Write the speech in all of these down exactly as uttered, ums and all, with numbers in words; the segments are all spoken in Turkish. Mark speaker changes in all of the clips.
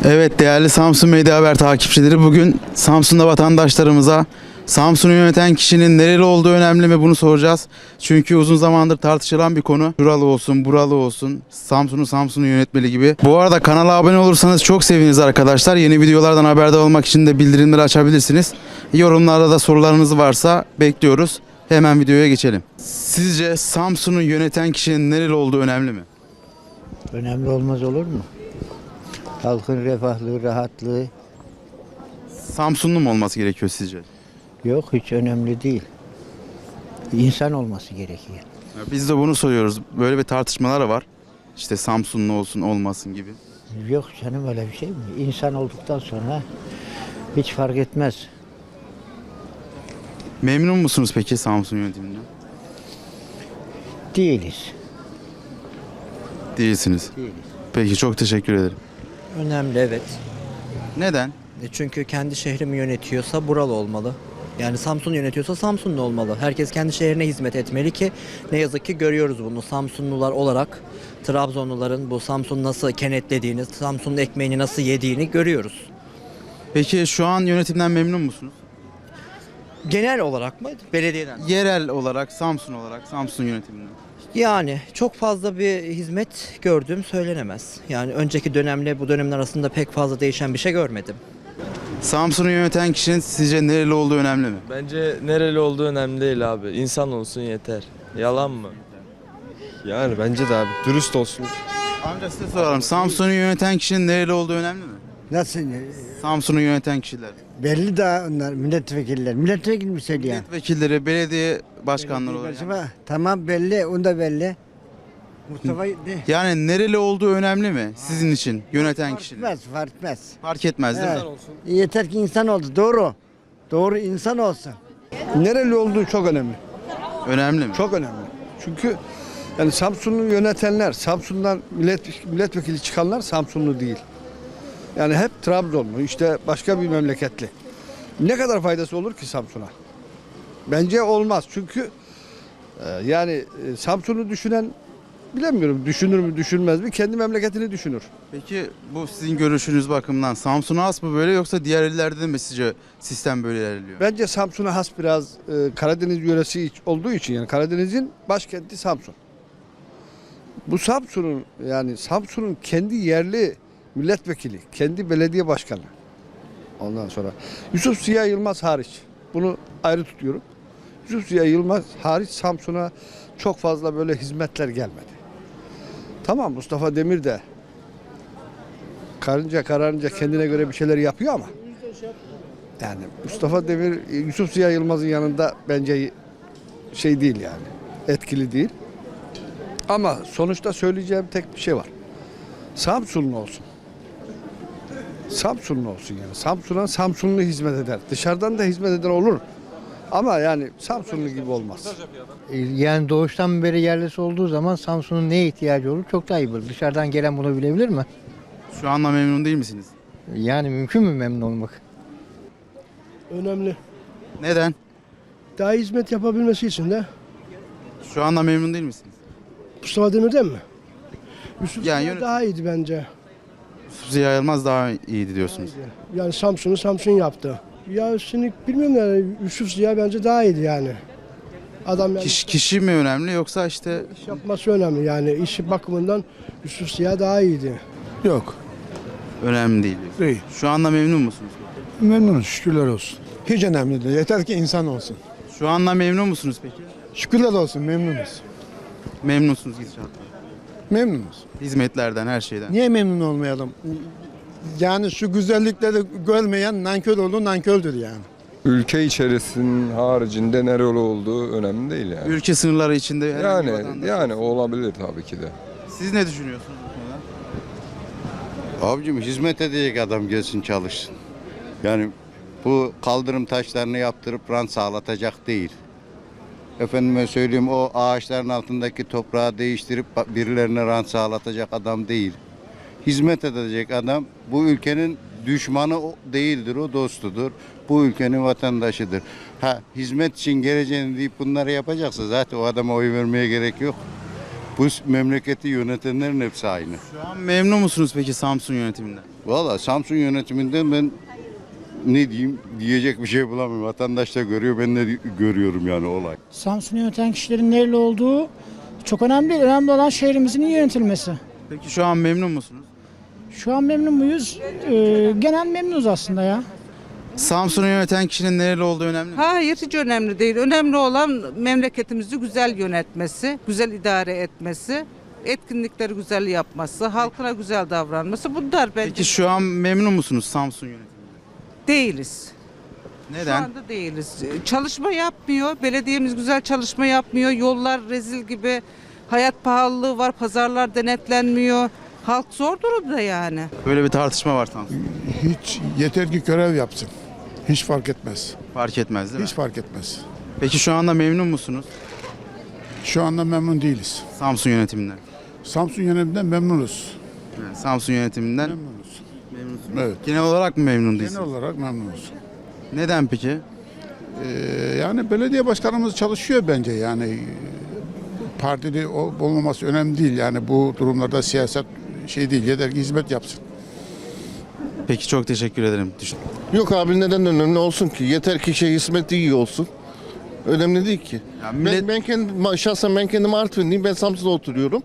Speaker 1: Evet değerli Samsun Medya Haber takipçileri, bugün Samsun'da vatandaşlarımıza Samsun'u yöneten kişinin nereli olduğu önemli mi bunu soracağız. Çünkü uzun zamandır tartışılan bir konu. Şuralı olsun, buralı olsun, Samsun'u Samsun'u yönetmeli gibi. Bu arada kanala abone olursanız çok seviniriz arkadaşlar. Yeni videolardan haberdar olmak için de bildirimleri açabilirsiniz. Yorumlarda da sorularınız varsa bekliyoruz. Hemen videoya geçelim. Sizce Samsun'u yöneten kişinin nereli olduğu önemli mi?
Speaker 2: Önemli olmaz olur mu? Halkın refahlığı, rahatlığı
Speaker 1: Samsunlu mu olması gerekiyor sizce?
Speaker 2: yok, hiç önemli değil. İnsan olması gerekiyor.
Speaker 1: Ya biz de bunu soruyoruz. Böyle bir tartışmalar var. İşte Samsunlu olsun olmasın gibi.
Speaker 2: Yok canım, öyle bir şey mi? İnsan olduktan sonra hiç fark etmez.
Speaker 1: Memnun musunuz peki Samsun yönetiminden?
Speaker 2: Değiliz.
Speaker 1: Değilsiniz.
Speaker 2: Değiliz.
Speaker 1: Peki çok teşekkür ederim.
Speaker 3: Önemli, evet.
Speaker 1: Neden?
Speaker 3: E Çünkü kendi şehrimi yönetiyorsa buralı olmalı. Yani Samsun yönetiyorsa Samsunlu olmalı. Herkes kendi şehrine hizmet etmeli ki ne yazık ki görüyoruz bunu. Samsunlular olarak Trabzonluların bu Samsun nasıl kenetlediğini, Samsun'un ekmeğini nasıl yediğini görüyoruz.
Speaker 1: Peki şu an yönetimden memnun musunuz?
Speaker 3: Genel olarak mı? Belediyeden.
Speaker 1: Yerel olarak, Samsun olarak, Samsun yönetiminden.
Speaker 3: Yani çok fazla bir hizmet gördüğüm söylenemez. Yani önceki dönemle bu dönemin arasında pek fazla değişen bir şey görmedim.
Speaker 1: Samsun'u yöneten kişinin sizce nereli olduğu önemli mi?
Speaker 4: Bence nereli olduğu önemli değil abi. İnsan olsun yeter. Yalan mı?
Speaker 5: Yani bence de abi dürüst olsun.
Speaker 1: Amca size soralım. Samsun'u yöneten kişinin nereli olduğu önemli mi?
Speaker 6: Nasıl?
Speaker 1: Samsun'u yöneten kişiler.
Speaker 6: Belli daha onlar milletvekiller. Milletvekili mi söylüyor?
Speaker 1: Milletvekilleri, belediye başkanları olarak.
Speaker 6: Acaba tamam belli, onu da belli. Mustafa de.
Speaker 1: Yani nereli olduğu önemli mi sizin için yöneten
Speaker 6: Fark
Speaker 1: kişinin?
Speaker 6: etmez, fark etmez.
Speaker 1: Fark etmez değil mi?
Speaker 6: Evet. Yeter ki insan oldu, doğru. Doğru insan olsun.
Speaker 7: Nereli olduğu çok önemli.
Speaker 1: Önemli mi?
Speaker 7: Çok önemli. Çünkü yani Samsun'u yönetenler, Samsun'dan millet, milletvekili çıkanlar Samsunlu değil. Yani hep Trabzonlu, işte başka bir memleketli. Ne kadar faydası olur ki Samsun'a? Bence olmaz. Çünkü e, yani e, Samsun'u düşünen, bilemiyorum düşünür mü düşünmez mi, kendi memleketini düşünür.
Speaker 1: Peki bu sizin görüşünüz bakımından Samsun'a has mı böyle, yoksa diğer illerde de mi sizce sistem böyle ilerliyor?
Speaker 7: Bence Samsun'a has biraz e, Karadeniz yöresi olduğu için, yani Karadeniz'in başkenti Samsun. Bu Samsun'un, yani Samsun'un kendi yerli milletvekili, kendi belediye başkanı. Ondan sonra Yusuf Ziya Yılmaz hariç, bunu ayrı tutuyorum. Yusuf Ziya Yılmaz hariç Samsun'a çok fazla böyle hizmetler gelmedi. Tamam, Mustafa Demir de karınca kararınca kendine göre bir şeyler yapıyor ama yani Mustafa Demir Yusuf Ziya Yılmaz'ın yanında bence şey değil, yani etkili değil. Ama sonuçta söyleyeceğim tek bir şey var. Samsunlu olsun. Samsunlu olsun yani. Samsun'a Samsunlu hizmet eder. Dışarıdan da hizmet eden olur. Ama yani Samsunlu gibi olmaz.
Speaker 2: Yani doğuştan beri yerlisi olduğu zaman Samsun'un neye ihtiyacı olur çok daha iyi bilir. Dışarıdan gelen bunu bilebilir mi?
Speaker 1: Şu anda memnun değil misiniz?
Speaker 2: Yani mümkün mü memnun olmak?
Speaker 8: Önemli.
Speaker 1: Neden?
Speaker 8: Daha hizmet yapabilmesi için de
Speaker 1: Şu anda memnun değil misiniz?
Speaker 8: Mustafa Demir'den mi? Yusuf
Speaker 1: Yani
Speaker 8: Ziya
Speaker 1: yönet-
Speaker 8: daha iyiydi bence.
Speaker 1: Yusuf Ziya Yılmaz daha iyiydi diyorsunuz.
Speaker 8: Yani Samsun'u Samsun yaptı. Ya şimdi bilmiyorum yani Yusuf Ziya bence daha iyiydi yani. Adam yani
Speaker 1: Kişi, kişi mi önemli, yoksa işte
Speaker 8: iş yapması önemli yani işi bakımından Yusuf Ziya daha iyiydi.
Speaker 9: Yok,
Speaker 1: önemli değil diyorsunuz.
Speaker 9: değil.
Speaker 1: Şu anda memnun musunuz?
Speaker 9: Memnunuz, şükürler olsun. Hiç önemli değil. Yeter ki insan olsun.
Speaker 1: Şu anda memnun musunuz peki?
Speaker 9: Şükürler olsun, memnunuz.
Speaker 1: Memnunsunuz gidişattan.
Speaker 9: Memnunuz.
Speaker 1: Hizmetlerden, her şeyden.
Speaker 9: Niye memnun olmayalım? Yani şu güzellikleri görmeyen nankör olur, nankördür yani.
Speaker 5: Ülke içerisinin haricinde nereli olduğu önemli değil yani.
Speaker 1: Ülke sınırları içinde herhangi bir
Speaker 5: Yani
Speaker 1: vatandaş
Speaker 5: yani
Speaker 1: olsun.
Speaker 5: olabilir tabii ki de.
Speaker 1: Siz ne düşünüyorsunuz bu konuda?
Speaker 10: Abicim hizmet edecek adam gelsin çalışsın. Yani bu kaldırım taşlarını yaptırıp rant sağlatacak değil. Efendime söyleyeyim, o ağaçların altındaki toprağı değiştirip birilerine rant sağlatacak adam değil. Hizmet edecek adam, bu ülkenin düşmanı o değildir, o dostudur. Bu ülkenin vatandaşıdır. Ha, hizmet için geleceğini deyip bunları yapacaksa zaten o adama oy vermeye gerek yok. Bu memleketi yönetenlerin hepsi aynı.
Speaker 1: Şu an memnun musunuz peki Samsun yönetiminden?
Speaker 10: Valla Samsun yönetiminden ben ne diyeyim diyecek bir şey bulamıyorum. Vatandaş da görüyor, ben de görüyorum yani olay.
Speaker 8: Samsun'u yöneten kişilerin nereli olduğu çok önemli değil. Önemli olan şehrimizin iyi yönetilmesi.
Speaker 1: Peki şu an memnun musunuz?
Speaker 8: Şu an memnun muyuz? Ee, genel memnunuz aslında ya.
Speaker 1: Samsun'u yöneten kişinin nereli olduğu önemli mi?
Speaker 11: Hayır, hiç önemli değil. Önemli olan memleketimizi güzel yönetmesi, güzel idare etmesi, etkinlikleri güzel yapması, halkına güzel davranması. Bunlar bence
Speaker 1: Peki şu an memnun musunuz Samsun yönetiminden?
Speaker 11: değiliz. Şu
Speaker 1: Neden?
Speaker 11: anda değiliz. Çalışma yapmıyor. Belediyemiz güzel çalışma yapmıyor. Yollar rezil gibi. Hayat pahalılığı var. Pazarlar denetlenmiyor. Halk zor durumda yani.
Speaker 1: Böyle bir tartışma var Samsun'da.
Speaker 9: Hiç yeter ki görev yapsın. Hiç fark etmez.
Speaker 1: Fark etmez değil mi?
Speaker 9: Hiç fark etmez.
Speaker 1: Peki şu anda memnun musunuz
Speaker 9: Şu anda memnun değiliz.
Speaker 1: Samsun yönetiminden?
Speaker 9: Samsun yönetiminden memnunuz.
Speaker 1: Yani Samsun yönetiminden
Speaker 9: Memnunuz.
Speaker 1: memnunsunuz.
Speaker 9: Evet.
Speaker 1: Genel olarak mı memnun
Speaker 9: Genel
Speaker 1: değilsiniz?
Speaker 9: olarak memnunuz.
Speaker 1: Neden peki?
Speaker 9: Ee, yani belediye başkanımız çalışıyor bence yani. Partili ol- olmaması önemli değil. Yani bu durumlarda siyaset şey değil. Yeter ki hizmet yapsın.
Speaker 1: Peki çok teşekkür ederim. Düşün.
Speaker 12: Yok abi neden önemli olsun ki? Yeter ki şey hizmeti iyi olsun. Önemli değil ki.
Speaker 1: Ya millet-
Speaker 12: Ben, ben kendim, şahsen ben kendim Artvinliyim. Ben Samsun'da oturuyorum.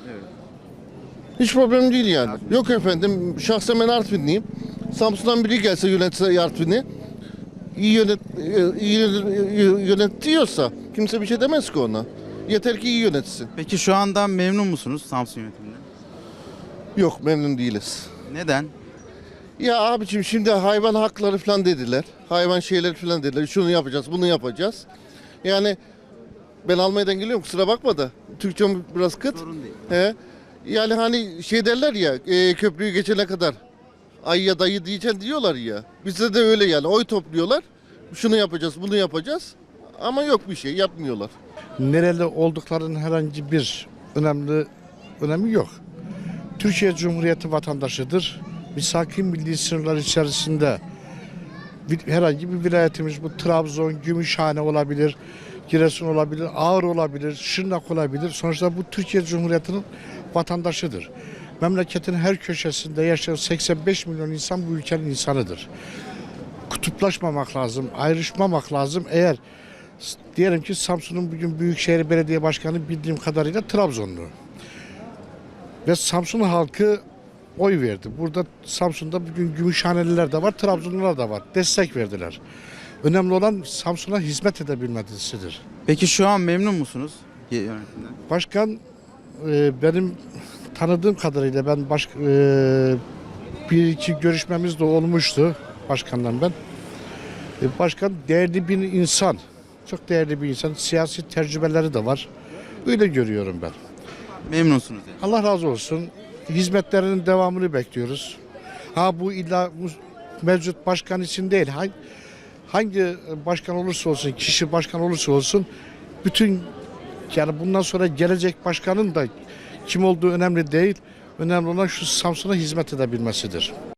Speaker 12: Hiç problem değil yani. Yok efendim şahsen ben Artvinliyim. Samsun'dan biri gelse yönetse Artvin'i iyi yönet iyi yönetiyorsa kimse bir şey demez ki ona. Yeter ki iyi yönetsin.
Speaker 1: Peki şu anda memnun musunuz Samsun yönetiminden?
Speaker 12: Yok memnun değiliz.
Speaker 1: Neden?
Speaker 12: Ya abiciğim şimdi hayvan hakları falan dediler. Hayvan şeyleri falan dediler. Şunu yapacağız, bunu yapacağız. Yani ben Almanya'dan geliyorum kusura bakma da. Türkçem biraz kıt.
Speaker 1: Sorun değil.
Speaker 12: He. Yani hani şey derler ya e, köprüyü geçene kadar ay ya dayı diyeceksin diyorlar ya. Bizde de öyle yani oy topluyorlar. Şunu yapacağız, bunu yapacağız. Ama yok bir şey yapmıyorlar.
Speaker 8: Nereli olduklarının herhangi bir önemli önemi yok. Türkiye Cumhuriyeti vatandaşıdır. Biz hakim milli sınırlar içerisinde bir- herhangi bir vilayetimiz bu Trabzon, Gümüşhane olabilir, Giresun olabilir, Ağrı olabilir, Şırnak olabilir. Sonuçta bu Türkiye Cumhuriyeti'nin vatandaşıdır. Memleketin her köşesinde yaşayan seksen beş milyon insan bu ülkenin insanıdır. Kutuplaşmamak lazım, ayrışmamak lazım. Eğer s- diyelim ki Samsun'un bugün Büyükşehir Belediye Başkanı bildiğim kadarıyla Trabzonlu. Ve Samsun halkı oy verdi. Burada Samsun'da bugün Gümüşhaneliler de var, Trabzonlular da var. Destek verdiler. Önemli olan Samsun'a hizmet edebilmesidir.
Speaker 1: Peki şu an memnun musunuz yönetimden?
Speaker 8: Başkan e, benim tanıdığım kadarıyla ben baş, e, bir iki görüşmemiz de olmuştu başkanla ben. E, başkan değerli bir insan. Çok değerli bir insan. Siyasi tecrübeleri de var. Öyle görüyorum ben.
Speaker 1: Memnunsunuz yani.
Speaker 8: Allah razı olsun. Hizmetlerinin devamını bekliyoruz. Ha bu illa bu mevcut başkan için değil. Hangi, hangi başkan olursa olsun, kişi başkan olursa olsun bütün yani bundan sonra gelecek başkanın da kim olduğu önemli değil. Önemli olan şu Samsun'a hizmet edebilmesidir.